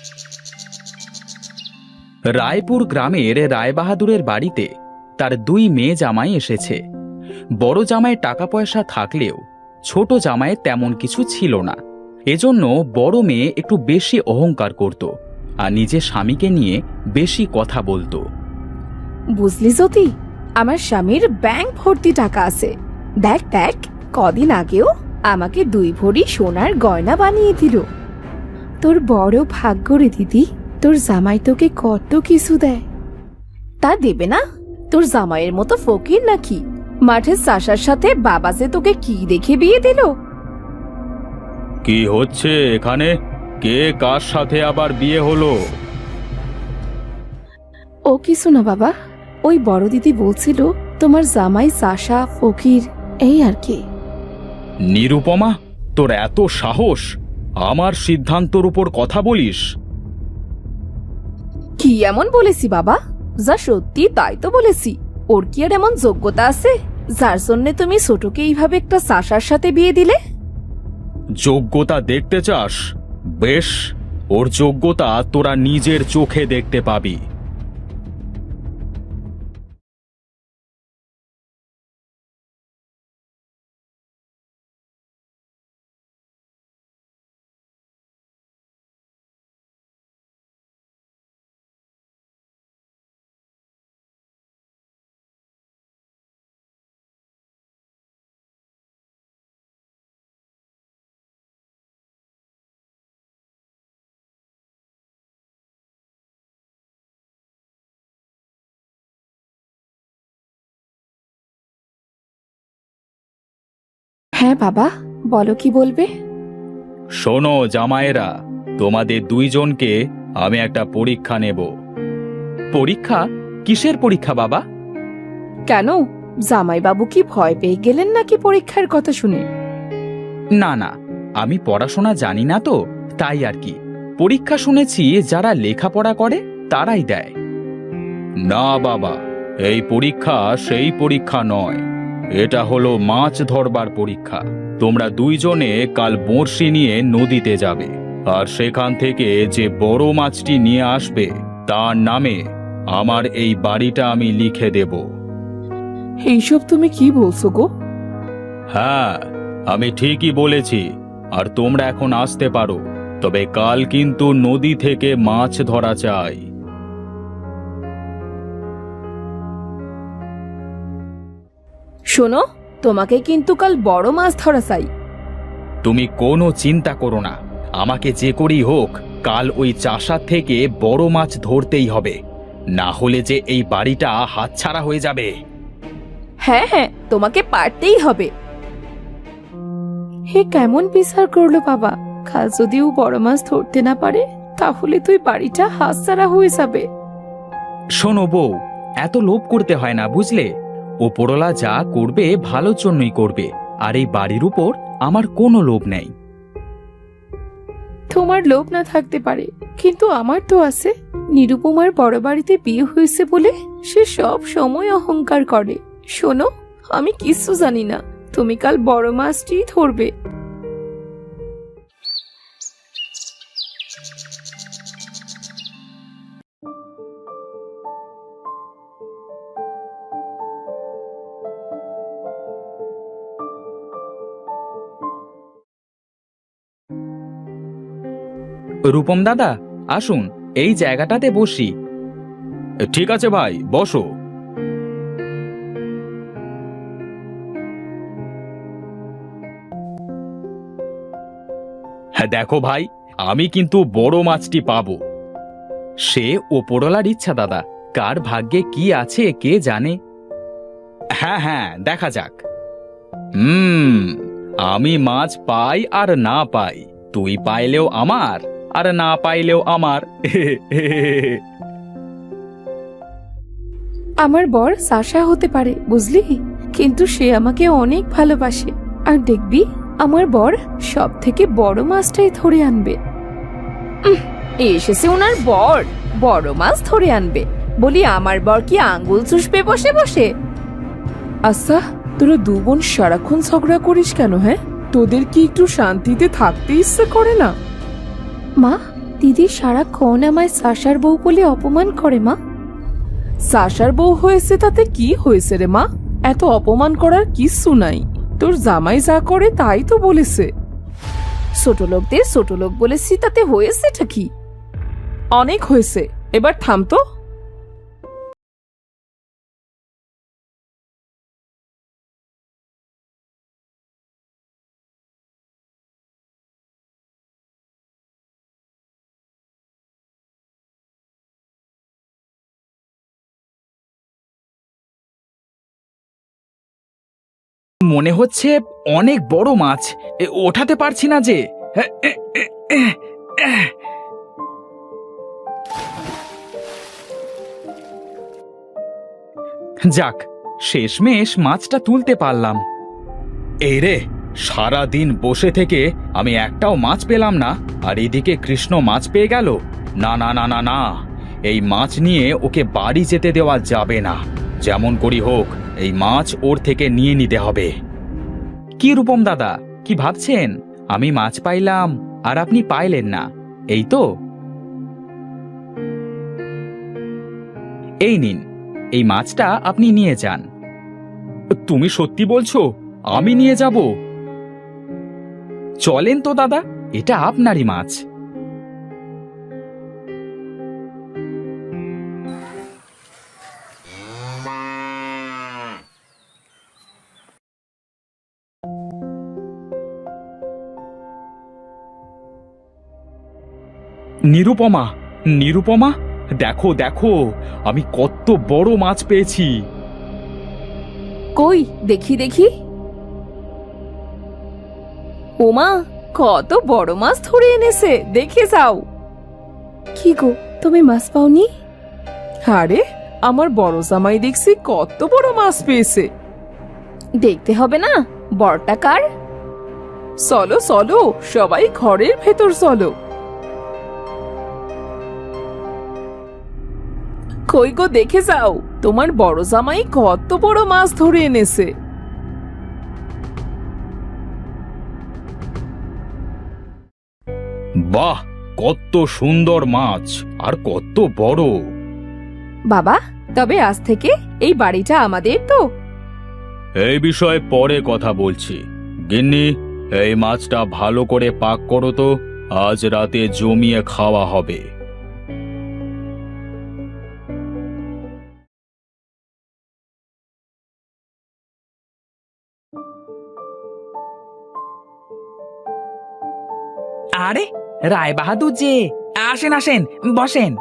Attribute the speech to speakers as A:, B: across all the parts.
A: রায়পুর গ্রামের রায়বাহাদুরের বাড়িতে তার দুই মেয়ে জামাই এসেছে। বড় জামাই টাকা পয়সা থাকলেও ছোট জামাই তেমন কিছু ছিল না। এজন্য বড় মেয়ে একটু বেশি অহংকার করত আর নিজের স্বামীকে নিয়ে বেশি কথা বলতো।
B: বুঝলি জ্যোতি, আমার স্বামীর ব্যাংক ভর্তি টাকা আছে। দেখ দেখ, কদিন আগেও আমাকে 2 ভরি সোনার গয়না বানিয়ে দিল। তোর বড় ভাগ্য রে দিদি, তোর জামাই তোকে কত কিছু দেয়। তা দেবে না? তোর জামাইয়ের মতো ফকির নাকি? মাঠের চাষার সাথে বাবা যে তোকে কি দেখে বিয়ে দিল?
A: কি হচ্ছে এখানে? কে কার সাথে আবার বিয়ে হলো?
B: ও কিছু না বাবা, ওই বড় দিদি বলছিল তোমার জামাই চাষা ফকির, এই আর কি।
A: নিরুপমা, তোর এত সাহস আমার সিদ্ধান্তর উপর কথা বলিস?
B: কি এমন বলেছি বাবা? যা সত্যি তাই তো বলেছি। ওর কি আর এমন যোগ্যতা আছে যার জন্য তুমি ছোটকে এইভাবে একটা চাষার সাথে বিয়ে দিলে?
A: যোগ্যতা দেখতে চাস? বেশ, ওর যোগ্যতা তোরা নিজের চোখে দেখতে পাবি।
B: হ্যাঁ বাবা, বলো কি বলবে?
A: শোনো জামাইরা, তোমাদের দুইজনকে আমি একটা পরীক্ষা নেব। পরীক্ষা? কিসের পরীক্ষা বাবা?
B: কেন, জামাইবাবু কি ভয় পেয়ে গেলেন নাকি পরীক্ষার কথা শুনে?
A: না না, আমি পড়াশোনা জানি না তো, তাই আর কি। পরীক্ষা শুনেছি যারা লেখাপড়া করে তারাই দেয়। না বাবা, এই পরীক্ষা সেই পরীক্ষা নয়। এটা হলো মাছ ধরবার পরীক্ষা। তোমরা দুইজনে কাল বড়শি নিয়ে নদীতে যাবে, আর সেখান থেকে যে বড় মাছটি নিয়ে আসবে তার নামে আমার এই বাড়িটা আমি লিখে দেব।
B: এইসব তুমি কি বলছো গো?
A: হ্যাঁ, আমি ঠিকই বলেছি। আর তোমরা এখন আসতে পারো, তবে কাল কিন্তু নদী থেকে মাছ ধরা চাই।
B: শোনো, তোমাকে কিন্তু কাল বড় মাছ ধরা চাই।
A: তুমি কোনো চিন্তা করো না, আমাকে যে করেই হোক কাল ওই চাষার থেকে বড় মাছ ধরতেই হবে, না হলে যে এই বাড়িটা হাতছাড়া হয়ে যাবে।
B: হ্যাঁ হ্যাঁ, তোমাকে পারতেই হবে। হে কেমন বিচার করলো বাবা, কাল যদি ও বড় মাছ ধরতে না পারে তাহলে তুই বাড়িটা হাতছাড়া হয়ে যাবে।
A: শোনো বউ, এত লোভ করতে হয় না বুঝলে। ওপরওয়ালা যা করবে ভালোর জন্যই করবে, আর এই বাড়ির উপর আমার কোনো লোভ নেই।
B: তোমার লোভ না থাকতে পারে, কিন্তু আমার তো আছে। নিরুপমার বড় বাড়িতে বিয়ে হয়েছে বলে সে সব সময় অহংকার করে। শোনো, আমি কিছু জানি না, তুমি কাল বড় মাছটি ধরবে।
A: রূপম দাদা, আসুন এই জায়গাটাতে বসি। ঠিক আছে ভাই, বসো। হ্যাঁ দেখো ভাই, আমি কিন্তু বড় মাছটি পাবো। সে ওপরওয়ালার ইচ্ছা দাদা, কার ভাগ্যে কি আছে কে জানে। হ্যাঁ হ্যাঁ, দেখা যাক। আমি মাছ পাই আর না পাই, তুই পাইলেও আমার আর না পাইলেও আমার।
B: আমার বর চাষা হতে পারে বুঝলি, কিন্তু সে আমাকে অনেক ভালোবাসে। আর দেখবি আমার বর সব থেকে বড় মাছটাই ধরে আনবে। এসেছে ওনার বর বড় মাছ ধরে আনবে বলি, আমার বর কি আঙ্গুল চুষবে বসে বসে? আচ্ছা, তোরা দু বোন সারাক্ষণ ঝগড়া করিস কেন? হ্যাঁ, তোদের কি একটু শান্তিতে থাকতে ইচ্ছে করে না? মা, দিদি সারাক্ষণ আমায় সাশার বউ বলে অপমান করে মা।
C: সাশার বউ হয়েছে তাতে কি হয়েছে রে মা? এত অপমান করার কিচ্ছু নাই। তোর জামাই যা করে তাই তো বলেছে।
B: ছোট লোকদের ছোট লোক বলেছি, তাতে হয়েছেটা কি?
C: অনেক হয়েছে, এবার থাম তো।
A: মনে হচ্ছে অনেক বড় মাছ, ওঠাতে পারছি না যে। যাক, শেষমেশ মাছটা তুলতে পারলাম। এই রে, সারা দিন বসে থেকে আমি একটাও মাছ পেলাম না, আর এদিকে কৃষ্ণ মাছ পেয়ে গেল। না না না না না, এই মাছ নিয়ে ওকে বাড়ি যেতে দেওয়া যাবে না। যেমন করি হোক এই মাছ ওর থেকে নিয়ে নিতে হবে। কি রূপম দাদা, কি ভাবছেন? আমি মাছ পাইলাম আর আপনি পাইলেন না, এই তো? এই নিন, এই মাছটা আপনি নিয়ে যান। তুমি সত্যি বলছো? আমি নিয়ে যাব? চলেন তো দাদা, এটা আপনারই মাছ। নিরুপমা, নিরুপমা, দেখো দেখো, আমি কত বড় মাছ পেয়েছি।
B: কই দেখি দেখি। ওমা, কত বড় মাছ ধরে এনেছে, দেখে যাও। কি গো, তুমি মাছ পাওনি?
C: আরে, আমার বড় জামাই দেখছি কত বড় মাছ পেয়েছে।
B: দেখতে হবে না বড়টা কার?
C: চলো চলো, সবাই ঘরের ভেতর চলো। কই গো, দেখে যাও, তোমার বড় জামাই কত বড় মাছ ধরে এনেছে।
A: বাহ, কত সুন্দর মাছ, আর কত বড়।
B: বাবা, তবে আজ থেকে এই বাড়িটা আমাদের তো?
A: এই বিষয়ে পরে কথা বলছি। গিন্নি, এই মাছটা ভালো করে পাক করো তো, আজ রাতে জমিয়ে খাওয়া হবে। আরে, রায় বাহাদুর যে, আসেন আসেন, বসেন।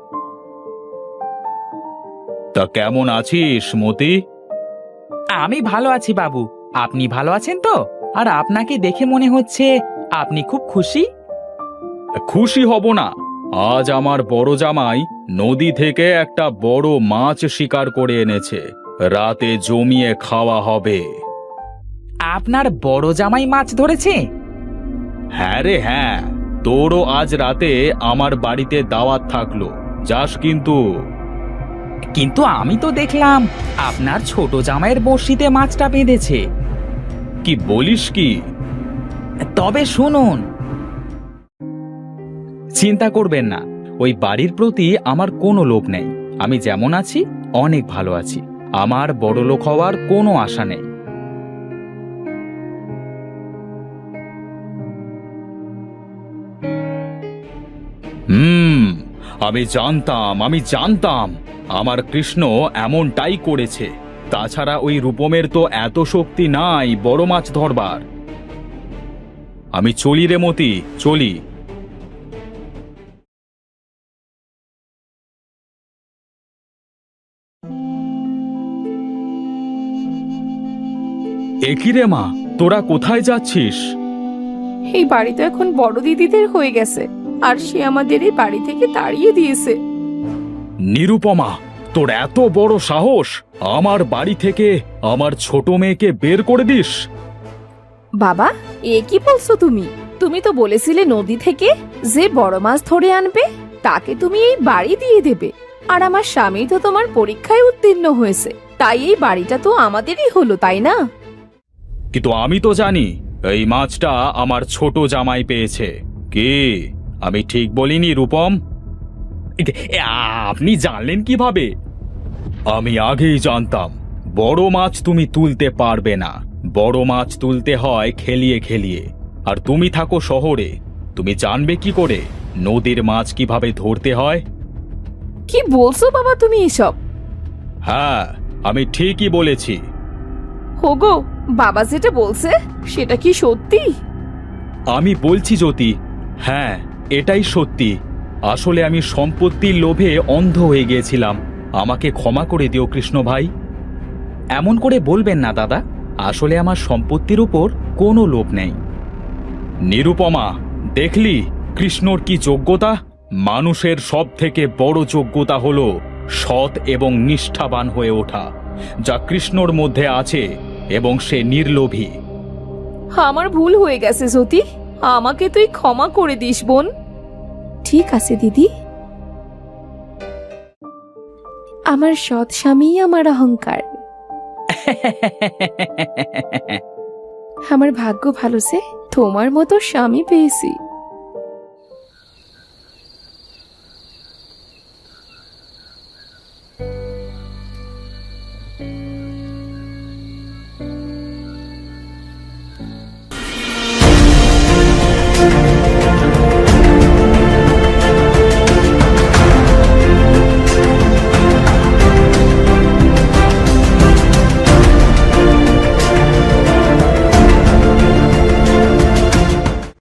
A: তা কেমন আছিস মতি? আমি ভালো আছি বাবু, আপনি ভালো আছেন তো? আর আপনাকে দেখে মনে হচ্ছে আপনি খুব খুশি। খুশি হব না? আজ আমার বড় জামাই নদী থেকে একটা বড় মাছ শিকার করে এনেছে, রাতে জমিয়ে খাওয়া হবে। আপনার বড় জামাই মাছ ধরেছে? হ্যাঁ রে হ্যাঁ, তোরও আজ রাতে আমার বাড়িতে দাওয়াত থাকলো, যাস কিন্তু। কিন্তু আমি তো দেখলাম আপনার ছোট জামাইয়ের বড়শিতে মাছটা বেঁধেছে। কি বলিস কি? তবে শুনুন, চিন্তা করবেন না, ওই বাড়ির প্রতি আমার কোনো লোভ নেই। আমি যেমন আছি অনেক ভালো আছি, আমার বড়লোক হওয়ার কোনো আশা নেই। আমি জানতাম আমার কৃষ্ণ এমনটাই করেছে। তাছাড়া ওই রূপমের তো এত শক্তি নাই বড় মাছ ধরবার। আমি চলি রে মতি, চলি। একই রে মা, তোরা কোথায় যাচ্ছিস?
B: এই বাড়ি তো এখন বড় দিদিদের হয়ে গেছে, আর সে আমাদের এই বাড়ি থেকে তাড়িয়ে দিয়েছে।
A: নিরুপমা, তোর এত বড় সাহস, আমার বাড়ি থেকে আমার ছোট মেয়েকে বের করে দিস?
B: বাবা, এ কি বলছো তুমি? তুমি তো বলেছিলে নদী থেকে যে বড় মাছ ধরে আনবে তাকে তুমি এই বাড়ি দিয়ে দেবে। আর আমার স্বামী তো তোমার পরীক্ষায় উত্তীর্ণ হয়েছে, তাই এই বাড়িটা তো আমাদেরই হলো, তাই না?
A: কিন্তু আমি তো জানি এই মাছটা আমার ছোট জামাই পেয়েছে। কি, আমি ঠিক বলিনি রূপম? আপনি জানলেন কিভাবে? আমি আগেই জানতাম বড় মাছ তুমি তুলতে পারবে না। বড় মাছ তুলতে হয় খেলিয়ে খেলিয়ে। আর তুমি থাকো শহরে, তুমি জানবে কি করে নদীর মাছ কিভাবে ধরতে হয়?
B: কি বলছো বাবা তুমি এসব?
A: হ্যাঁ, আমি ঠিকই বলেছি।
B: হোগো, বাবা যেটা বলছে সেটা কি সত্যি?
A: আমি বলছি জ্যোতি, হ্যাঁ এটাই সত্যি। আসলে আমি সম্পত্তির লোভে অন্ধ হয়ে গিয়েছিলাম। আমাকে ক্ষমা করে দিও কৃষ্ণ ভাই। এমন করে বলবেন না দাদা, আসলে আমার সম্পত্তির উপর কোনো লোভ নেই। নিরুপমা, দেখলি কৃষ্ণর কি যোগ্যতা? মানুষের সব থেকে বড় যোগ্যতা হলো সৎ এবং নিষ্ঠাবান হয়ে ওঠা, যা কৃষ্ণর মধ্যে আছে, এবং সে নির্লোভী।
B: আমার ভুল হয়ে গেছে জ্যোতি, আমাকে তুই ক্ষমা করে দিস বোন। ঠিক আছে দিদি। আমার সৎ স্বামী আমার অহংকার। আমার ভাগ্য ভালো যে তোমার মতো স্বামী পেয়েছি।